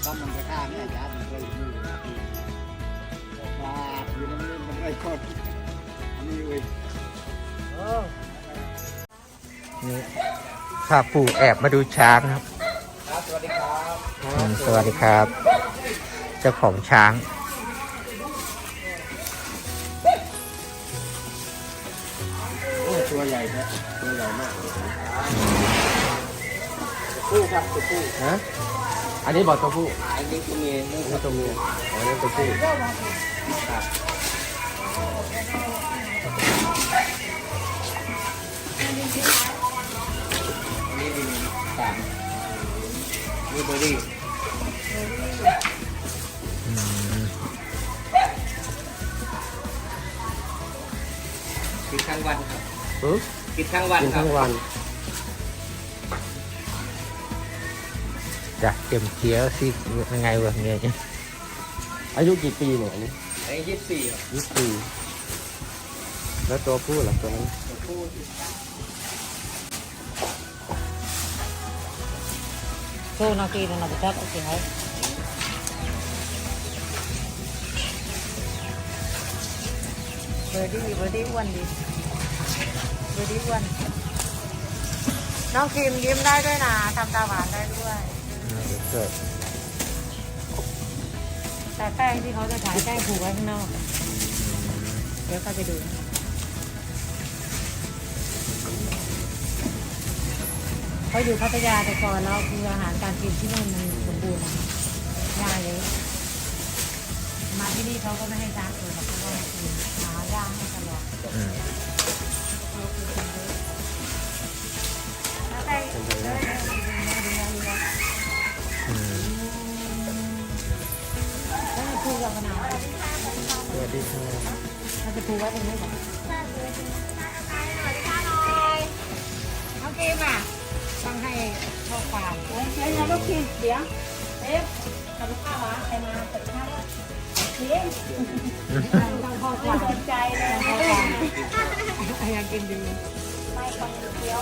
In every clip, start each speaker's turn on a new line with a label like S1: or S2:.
S1: ทำมันกระข้างเนี่ยยามันเลยมือมาอยู่นั่นนี่มันได้ทอดอันนี้เว้ย
S2: นี่ข้าปู่แอบมาดูช้างครับ
S1: สวัสดีครับ
S2: สวัสดีครับ เจ้าของช้าง
S1: ตัวใหญ่นะตัวใหญ่มากผู้ครับตัวผู้
S2: ฮะอันนี้บอกตัวผู้
S1: อันนี้ตัวเมียนี่
S2: ตัวเมียอ๋อนี่ตัวผู้
S1: ครับนี่สามนี่เบอร์ดี้กินทั้งวันครับกินทั้งวันครับ
S2: จ้ะเต็มเขียวสิยังไงวะเนี่ยอายุกี่ปีเนี่ยอันนี้
S1: อันนี้24ครับ
S2: 24แล้วตัวผู้ล่ะตัวนี้
S1: ตัวผู้
S3: Thôi nó kia nó bị chết ở kia ấy. Vừa đi quần đi. Vừa đi quần. น้องคิมยิ้มได้ด้วยนะทำตาหวานได้ด้วยแต่แป้งที่เขาจะฉายแป้งผูกไว้ข้างนอกเดี๋ยวเข้าไปดูเขาอยู่พัทยาแต่ก่อนแล้วคืออาหารการกินที่นู่นมันสมบูรณ์นะคะย่าเยอะมาที่นี่เขาก็ไม่ให้ช้างเกิดหรอกเพราะว่าหาย่าให้ตลอดแล้วแต่เลยแล้วจะพูดกับขนาด
S2: สวัสดีครับ
S3: เราจะพูดไว้ตรงนี้ก่อนน้องเกมอ่ะต้องให้ข้อความใช้แล้วก็คิดเดี๋ยวทำข้าวใครมาตัดข้าวเลี้ยงต้องข้อความสนใจเลยอยากกินดีไม่ต้องเคี้ยว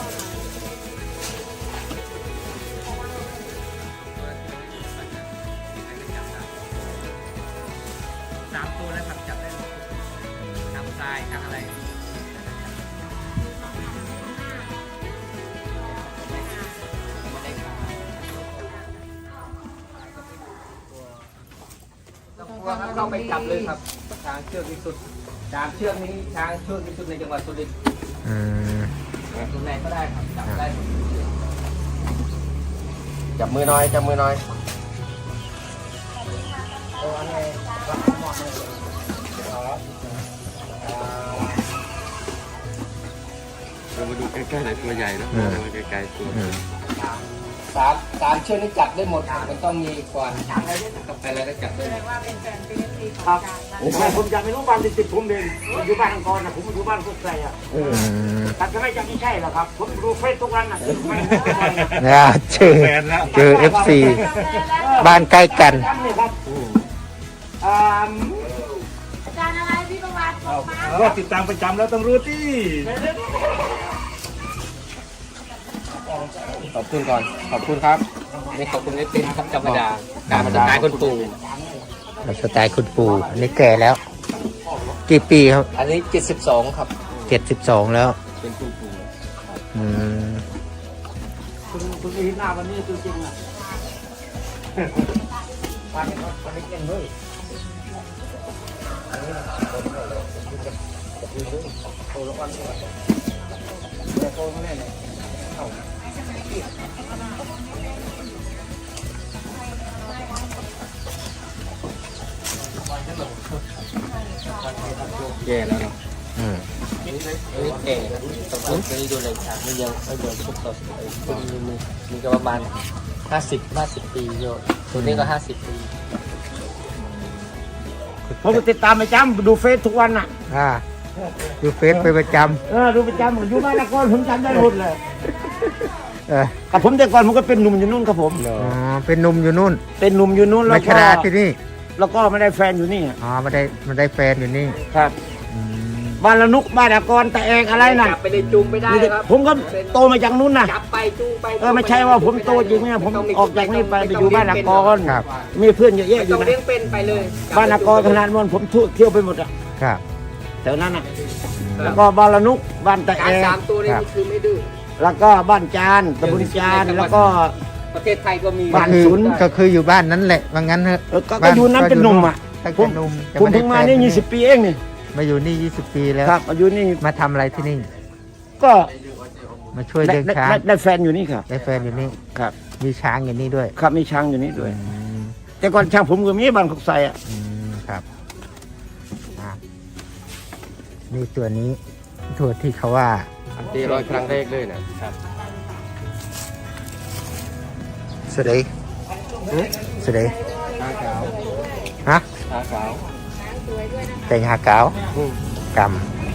S1: 3 ตัวแล้วครับจับได้ทำทรายทำอะไรเข้าไปจับเลยครับช้างเชือกที่สุด3 เชือกนี้ช้างเชือกที่สุดในจังหวัดสุรินทร์ตรงไหนก็ได้ครับจับได้
S2: จับมือน้อยจับมือน้อย
S4: เรามาดูใกล้ๆหน่อยตัวใหญ่นะมองมาไกลๆตัว
S1: สามเชือกนี้จับได้หมดมันต้องมีก่อนกับไปอะไรก็จับได้
S5: ครับผมอยากไม่รู้บ้านติดผมเองผมอยู่บ้านอังกอรนะผมอยู่บ้านพวกใครอ่ะแต่ทำไมจะไม่ใช่หรอครับผมดูเฟซทุกวันนะ
S2: เนี่ยเจอ FC บ้านใกล้กัน
S3: อาจารย์อะไรพี่ประวัติ
S5: ก็ติดตามประจำแล้วต้องรู้ที่
S1: ขอบคุณก่อนขอบคุณครับนี่ขอบคุณไม่เป็นครับธรรมดาการมาสไตล์คนปู่
S2: สไตล์คุณปู่อันนี้แก่แล้วกี่ปีครับ
S1: อันนี้72ครับ
S2: 72แล้ว
S1: เป็นปู่
S5: คุณเห็นหน้าวันนี้ตัวจริงอ่ะวันนี้เก่งเลย
S1: แย่แล้วเนาะนี่แก่นะต้องนี้ดูเลยครับมันยังไม่เดินทุกตัวมีก็ประมาณ50 ปีโยตัวนี้ก็50 ปี
S5: ผมติดตามประจำดูเฟซทุกวันอ่ะ
S2: ดูเฟซไปประจ
S5: ำดูประจำอยู่บ้านนครผมจำได้หมดเลยกับผมแต่ก่อนผมก็เป็นหนุ่มอยู่นู่นครับผม
S2: เป็นหนุ่มอยู่นู่น
S5: เป็นหนุ่มอยู่นู่น
S2: แล้วก็ที่นี่
S5: แล้วก็ไม่ได้แฟนอยู่นี่
S2: ไม่ได้แฟนอยู่นี่
S5: ครับบ้านละนุกบ้านอากรตะแอกอะไรน่ะ
S1: จับไปเลยจูงไม่ได้ครับ
S5: ผมก็โตมาจากนู้นน่ะ
S1: จับไปจูงไป
S5: ไม่ใช่ว่าผมโตจริงเนี่ยผมออกจากนี่ไปอยู่บ้านอากร
S2: ครับ
S5: มีเพื่อนเยอะแยะอยู่
S1: ต้อง
S5: นะ
S1: เลี้ยงเป็นไปเลย
S5: บ้านอากรขนาดมันผมเที่ยวไปหมดอ่ะ
S2: ครับ
S5: แถวนั้นน่ะแล้วก็บ้านละนุกบ้านตะแอ
S1: การ
S5: ก
S1: สามตัวนี้คือไม่ดื้อ
S5: แล้วก็บ้านจานตำบลจานแล้วก็
S1: ประเทศไทยก็มี
S5: บ้าน
S2: คือ
S5: ศูนย์
S2: ก็คืออยู่บ้านนั้นแหละว่างั้นเถอะ
S5: ก็อยู่นั้นเป็นหนุ่มอ่ะ
S2: ตั้ง
S5: ผ
S2: แต่
S5: ม
S2: หนุ่ม
S5: ผมเพิ่งมานี่20 ปีเองนี่
S2: มาอยู่นี่20 ปีแล้ว
S5: ครับอายุนี่
S2: มาทำอะไรที่นี่
S5: ก็
S2: มาช่วย
S5: ได้
S2: เลี้ยงช้าง
S5: ได้แฟนอยู่นี่ครับ
S2: ได้แฟนอยู่นี่
S5: ครับ
S2: มีช้างอยู่นี่ด้วย
S5: ครับมีช้างอยู่นี่ด้วย
S2: อืม
S5: แต่ก่อนช้างผมก็มีบ้านขกใส่อ่ะ
S2: ครับอ่ะนี่ตัวนี้ตัวที่เขาว่า
S4: ตีรอยครั้งแรกเลยนะครับ
S2: สวัสดีสวัสดี
S4: ตาขาว
S2: ฮะ
S4: ตาขาว
S2: แต่งหาเกาวกำ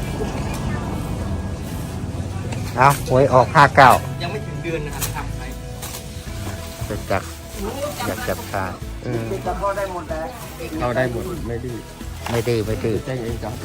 S2: เอาหวยออก59
S1: ยังไม่ถึงเดือนนะครับทำไป
S2: จะจับอยากจับชา
S5: แต่พอได้หมดแล้ว
S4: เราได้หมดไม่ดื้อ
S2: ไม่ดื้อไม่ดื้อ
S4: แจ้งเองจับเลย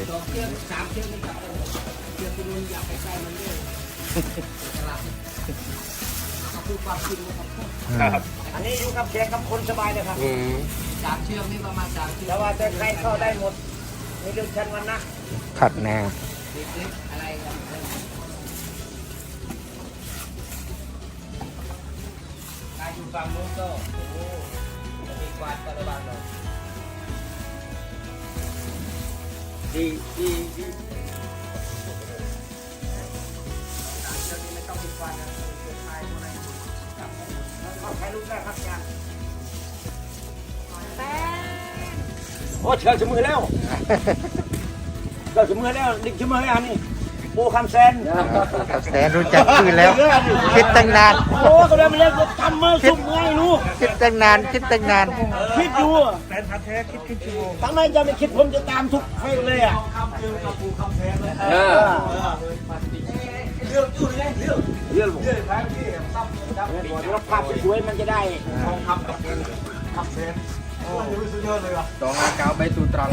S5: อันนี้อยู่กับแขกกับคนสบายเลยครับ
S1: สามเชือกนี่ประมาณสามเชือก
S5: แต่ว่าแต่ใครเข้าได้หมดในเรื่องชั้นวันนะ
S2: ขัดแนว
S1: เล็กๆอะไรกันการอยู่ฝั่งนู้นก็โอ้โหมีกวาดก็ระวังหน่อยดีดีดีเชือกนี้ไม่ต้องมีกวาดนะเชือกไทยพวกนั้นจับให้หมด
S5: เขาใช้ลูกได้ครับอาจารย์โอ้เชิญสมือแล้วเชิญสมือแล้วดิสมือแล้วนี่ปูคำแซน
S2: ครับแสนรู้จักชื่อแล้ว คิดตั้งนาน
S5: โอ้ก็ได้มาเล่นก็ทำมาสุ่มไงรู้
S2: คิดตั้งนานคิดตั้งนาน
S5: คิดดูแฟนพันธ์แท้คิดชั่วโมงทำไมจะไม่คิดผมจะตามทุกเฟซเลยอ่ะ
S1: เออ
S5: เรื่องภาพสวยๆมันจะได้ทองคำกับเงินคำแซนโอ้ยสุดยอดเลยว่ะ
S1: สองเก้าใบตูตรัง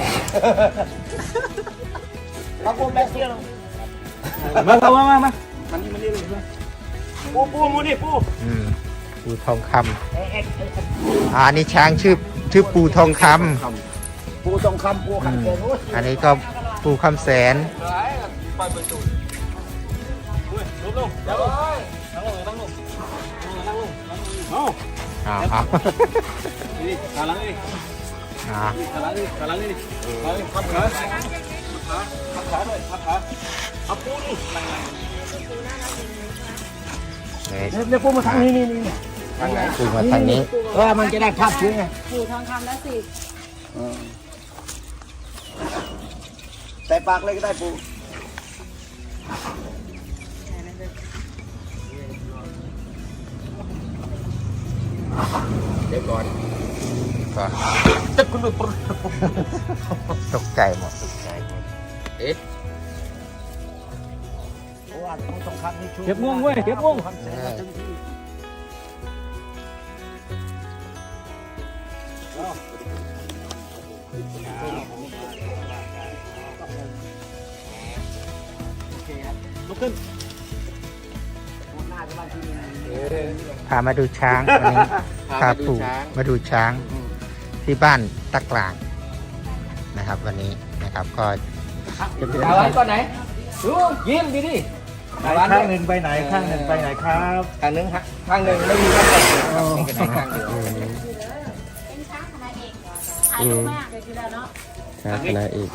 S5: เราปูแบกเสียงมามันนี่เลยปูมูนี่ปู
S2: ปูทองคำอันนี้ช้างชื่อปูทองค
S5: ปูทองคำปูคำแซนโอ้ย
S2: ำอันนี้ก็ปูคำแสน
S1: ปล่อยประตู
S5: ลงเดี๋ยวตั้งลงเอา
S2: เอา
S5: นี่ขาหลังนี่
S2: เอา
S5: ขาหลังนี่พับขาด้วยพับขาเอาปูนี่
S2: เนี่ย
S5: เดี๋ยวปูมาทางนี้นี่
S2: ทางไหนปูมาทางนี้
S5: มันจะได้ภาพสวยไง
S3: ปู่ทองคำแล้วสิ
S5: ใส่ปากเลยก็ได้ปู
S4: เดี๋ยวก่อน
S2: ก็ตกใจหมด
S4: เอ๊ะ
S5: เก็บงวงเว้ยเก็บงวง ลุกขึ้น
S2: พามาดูช้างวันนี้พาปู่มาดูช้างที่บ้านตะกลางนะครับ วันนี้นะครับก็
S1: เอาไว้ก่อนไหนดูยิ้มดีดิ
S5: ข้างหนึ่งไปไหนข้างหนึ่งไปไหนครับ
S1: ข้างหนึ่งฮะข้างหนึ่งไม่มีข้างไหนครับนี่ก็ได้ข้างเดียว
S3: เป็นช้างคณะเอกถ่ายรูปมากเลยทีเดียวเนาะ
S4: ช้างคณะเอก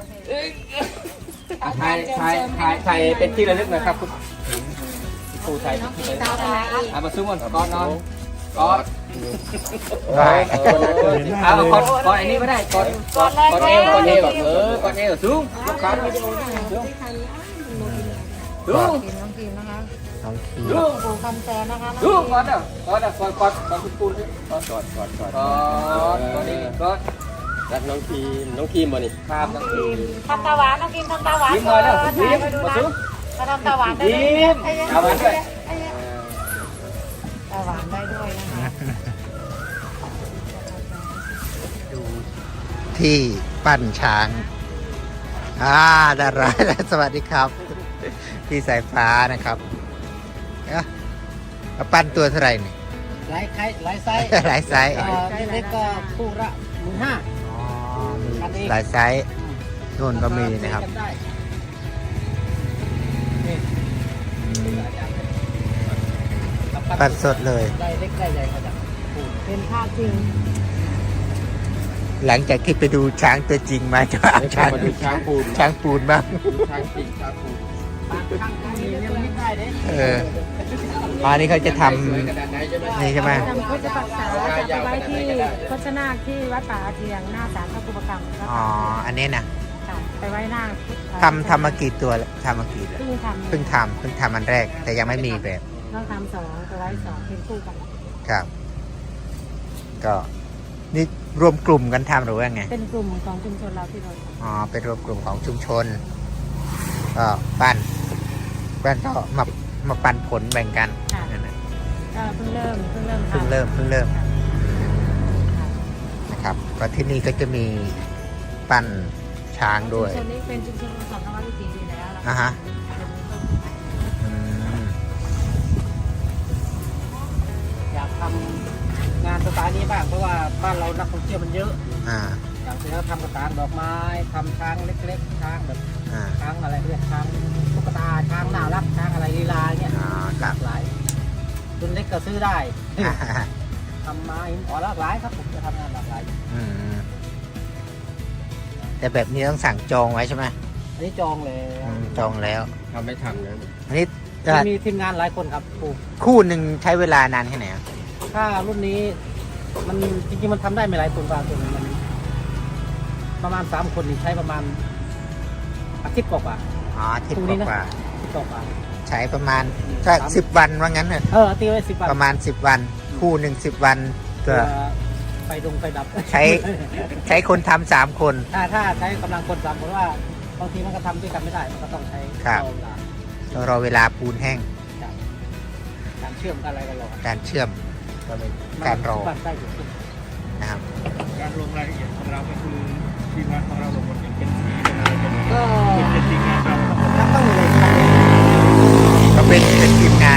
S1: ถ่ายเป็นที่ระลึกหนะครับคุณครูถ่ายเป็นที่ระลึก
S3: ช้างคณะเอก
S1: เอามาซุ้มก่อนก่อนนอนก่อน
S2: ได้
S1: เอาก่อนอันนี้ไม่ได้ก่อนเอวก่อนเอวซุ้มก่อน
S3: วิดีโอนะคะที่ใคร
S1: ซุ้ม
S3: น้องพิมนะคะ
S2: น้องขี
S1: ซุ้ม
S3: ปู่คำแสนนะคะ
S1: ซุ้มก่อนเด้อก่อนคุณปูนก่อนนี่ก่อน
S4: รักน้องทีมบ่นี่
S1: ครับน้องทีม
S3: ทำตาหวานน้องพิมทำตาหวาน
S1: ยิ้มเลยเด้อยิ้ม
S3: ไปดู
S1: มา
S3: นะ
S1: ซุ้ม
S3: มาทำตาหวานได้
S1: ยิ้มเอามาด้วย
S3: ตาหวานได้ด้วยนะคะ
S2: ดูที่ปั้นช้างดาราสวัสดีครับ พี่สายฟ้านะครับปั้นตัวเท่าไหร่นี่
S5: หลายไซส์
S2: หลายไซส์
S5: เล็กก็คู่ละ15,000
S2: หลายไซส์นู่นก็มีนะครับปั้นสดเลย
S5: ได้เล็กได้ใหญ่ก็จะเป็นผ้าจริง
S2: หลังจากที่ไปดูช้างตัวจริงมาจะเอาช้าง
S4: มาดูช้างปูน
S2: ช้างปูนบ้าง
S4: ช้างจริงช้างปูน
S5: ข้างนี้เนี่ยมันไม่ได้เด้
S2: อันนี้เขาจะทำ
S4: ขนาดไหนใช่ไหม
S2: นี่ใช่ไหม
S3: นำพุทธปักษาจะไปไว้ที่โฆษณาที่วัดป่าอาเทียงหน้าศาลพระภูมิกรรม
S2: อ๋ออันนี้นะ
S3: ค่ะไปไว้หน้า
S2: ทำมากี่ตัวแล้วทำมากี่แล้ว
S3: เพิ่งทำ
S2: เพิ่งทำอันแรก แต่ยังไม่มีแบบ
S3: ต้องทำ2ไปไว้2เป็นคู่กัน
S2: ครับ ก็นี่รวมกลุ่มกันทำหรือว่าไง
S3: เป็นกลุ่มของชุมชนเราที่เราท
S2: อ๋อเป็นรวมกลุ่มของชุมชนก็ปั้นก็มาปันผลแบ่งกัน
S3: ำค่ะ
S2: นั่นนะ
S3: ก็เพิ่งเริ่มทำ
S2: เพิ่งเริ่มนะครับก็ที่นี่ก็จะมีปั้นช้างด้วย
S3: ชุมชนนี้เป็นชุมชนสองนวัตวิถีดีแล้ว
S2: อ่ะฮะอืม
S5: อยากทำงานสไตล์นี้บ้างเพราะว่าบ้านเรานักท่องเที่ยวมันเยอะ
S2: อ่า
S5: อย่างเช่นเราทำกระถางดอกไม้ทำช้างเล็กๆช้างแบบ
S2: อ่า
S5: ช้างอะไรเรียกช้างตุ๊กตาช้างน่ารักช้างอะไรลีลาเนี่ย
S2: อ๋อค
S5: ห
S2: รั
S5: ลา
S2: บ
S5: กหลายรุ่นเล็กก็ซื้อได้
S2: อ่า
S5: ทำมาหินอ่อนหลากหลายครับผมจะทำงานหลากหลาย
S2: อืมแต่แบบนี้ต้องสั่งจองไว้ใช่ไหม
S5: อันนี้จองเลย
S2: จองแล้ว
S4: ทำไม่ทันนะ
S2: อันนี้
S5: มีทีมงานหลายคนครับครู
S2: คู่หนึ่งใช้เวลานานแค่ไหนอ่ะ
S5: ถ้ารุ่นนี้มันจริงๆมันทำได้ไม่หลายคนบางคนมันประมาณ3 คนนี่ใช้ประมาณอาทิตย์กว่า
S2: อ๋ออาทิตย์
S5: คู่นี้นะ
S2: กว่า
S5: อาทิตย์กว่า
S2: ๆใช้ประมาณก็10 วันว่างั้นเถอะ
S5: ตีไว้10 วัน
S2: ประมาณ10 วัน คู่หนึ่ง10 วันก็
S5: ไฟดงไฟดับ
S2: ใช้คนทำ3 คน
S5: ถ้าใช้กำลังคน3 คนว่าบางทีมันก็ทำด้วยกันไม่ได้มันก็ต้องใช้
S2: ครับ
S5: เวลา
S2: ต้องรอเวลาปูนแห้ง
S5: การเชื่อมกันอะไรกันหรอก
S2: การเชื่อมก็เป็นการรอ
S5: บ้านใกล้จุด
S2: นะครับ
S4: การลงรายละเอียดของเราก็คือทีมงานของเราลงหมดอย่างเป็นสีเป็นอะไรเป็น
S5: ก็
S4: เป็นทีมงานเรา
S5: ต้องเลย
S2: ก็เป็นทีมงาน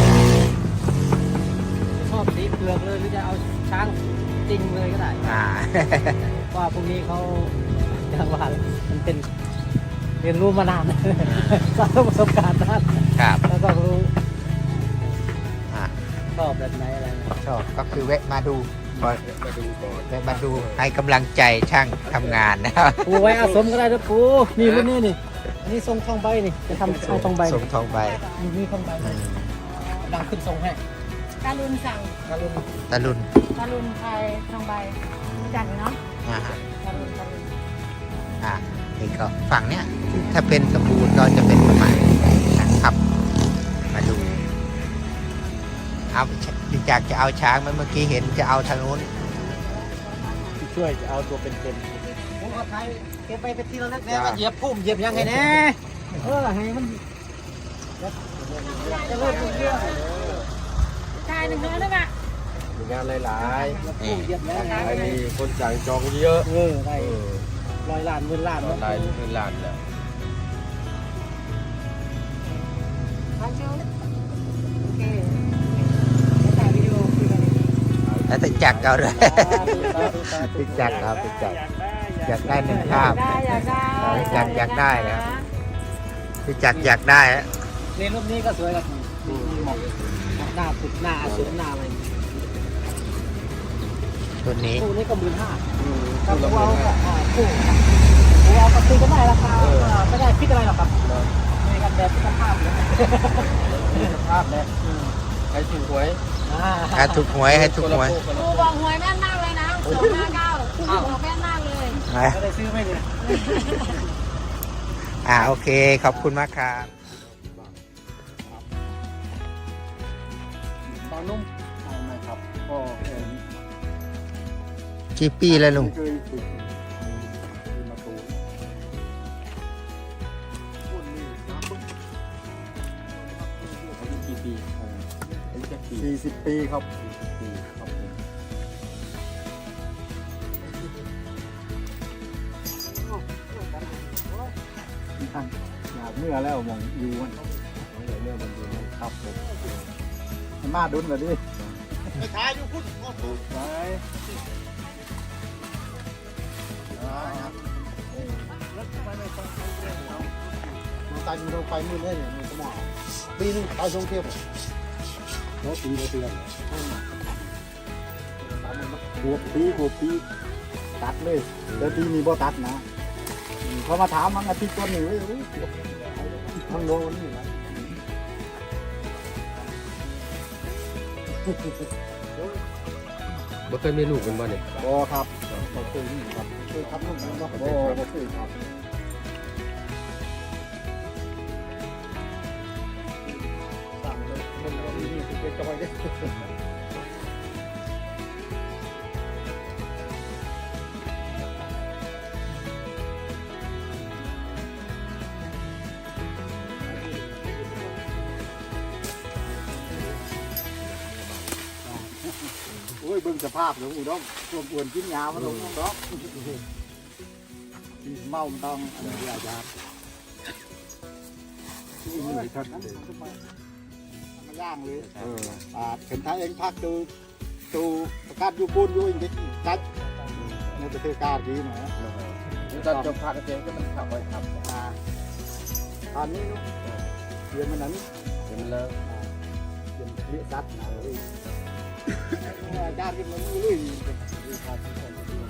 S5: ชอบสีเปลือกเลยหรือจะเอาช้างจริงเลยก็ได้ ว่าพวกนี้เขาอย่างว่ามันเป็นเรียนรู้มานาน สร้างประสบการณ์นาน
S2: ครับ
S5: แล้วก็รู้
S2: อ่า
S5: ชอบแบบไหนอะไรนะ
S2: ชอบก็คือแวะมาดู
S4: มาดูก่อน
S2: แวะมาดูให้กำลังใจช่างทำงานนะครับ
S5: ปูไว้อาสมก็ได้ด้วยปูนี่รุ่นนี้นี่อันนี้ทรงทองใบนี่จะทำทรงทองใบ
S2: ส่งทองใบ
S5: นี่ทองใบ
S2: อืม
S5: กำลังขึ้นทรงให้
S3: การุณสั่ง
S5: การุณ
S2: ตะลุน
S3: การุณไทยทองใบรู้จักไหมเนาะ
S2: อ่าฮะ
S3: การุณ
S2: นี่ก็ฝั่งเนี้ยถ้าเป็นสมบูรณ์ก็จะเป็นประมาณนี้นะครับ มาดูเอาอยากจะเอาช้างไหมเมื่อกี้เห็นจะเอาทางนู้น
S5: ช่วยจะเอาตัวเป็นผมเอาไทยเก็บไปเป็นที่ระลึกแล้วเหยียบพุ่มเหยียบยังไงแน่ให้มันจะเลิกเรื่อง
S3: ชายหนึ่งนึงอ่ะ
S4: มีงานหลาย
S5: เหยียบยังไง
S4: ๆไอ้นี่คนสั่งจองเยอะ
S5: ได้ร้อยล้านหมื่นล้าน
S4: ออนไลน์เป็นล้านแล้ว
S3: มาชูโอเคถ่ายวิดีโอคุยกัน
S2: แล้วแต่จักรเอาด้วยติดจักรครับติดจักรอยากได้หนึ่งภาพ
S3: อยากได้
S2: อยากได้นะ ติดจักรอยากได้ฮะ
S5: ในรูปนี้ก็สวยครับหมอกหน้าปุดหน้าอาสุนหน้าอะไร
S2: ตัวนี้
S5: คู่นี้ก็15,000ถ้าคู่เอาคู่เอาก็ตีกันได้ราคาไม่ได้พิจอะไรหรอกครับมีกันแบบสภาพเลย
S4: สภาพเลยใครถูกหวย
S2: ให้ถูกหวยให้ถูกหวย
S3: ครูบอกหวยแม่นมากเลยนะ259บอกแม่นมากเลย
S5: ไม่ได้ซื้อไม่เลย
S2: โอเค ขอบคุณมากครับ
S5: ตอนนุ่ม
S4: ไม่ครับก็
S2: กี่ปีแล้วลุง
S4: เคยฝึกมาตูคนนี้น้ำบึ้งอายุกี่ปีอายุจะ40 ปีครับ40 ปีครับผม
S6: อยากเมื่อแล้วมองอยู่มันเมื่อมันอยู่มันครับผมมันมาดุนเลยดิไปท้ายอยู่คุณไปมันตายมันไปมืดเลยเนี่ยมันก็มาปีนึงตายสองเที่ยวแล้วปีละเดือนบวกปีตัดเลยแต่ปีนี้บ่ตัดนะเขามาถามมันอาทิตย์ต้นนี้มันโดนนี่นะ
S1: บ่เคยมีลูกกันบ่เนี่ย
S6: บ่ครับบ่เคยนี่ครับเคยครับลูกมันบ่เคยครับสั่งเลยมันนี่คือจอยเด้โอ้ยเบิ่งสภาพหลวงอูด้อมตัวปวนกินยามันหลวงอูด้อมเมาต้องอะไรที่อาจารย์นี่ท่านมาย่างเลยเห็นท้ายเองพักตูประกาศอยู่ปูนอยู่อีกนิดกัดนี่จะคือการดีนะ
S1: ตอนจบภาคเรียนก็มันขับไปครับ
S6: ตอนนี้เรียนมันนั้น
S1: เดี๋ยวมันเลิก
S6: เรียนเลี้ยสัตว์นะอาจารย์กินมันมือลุย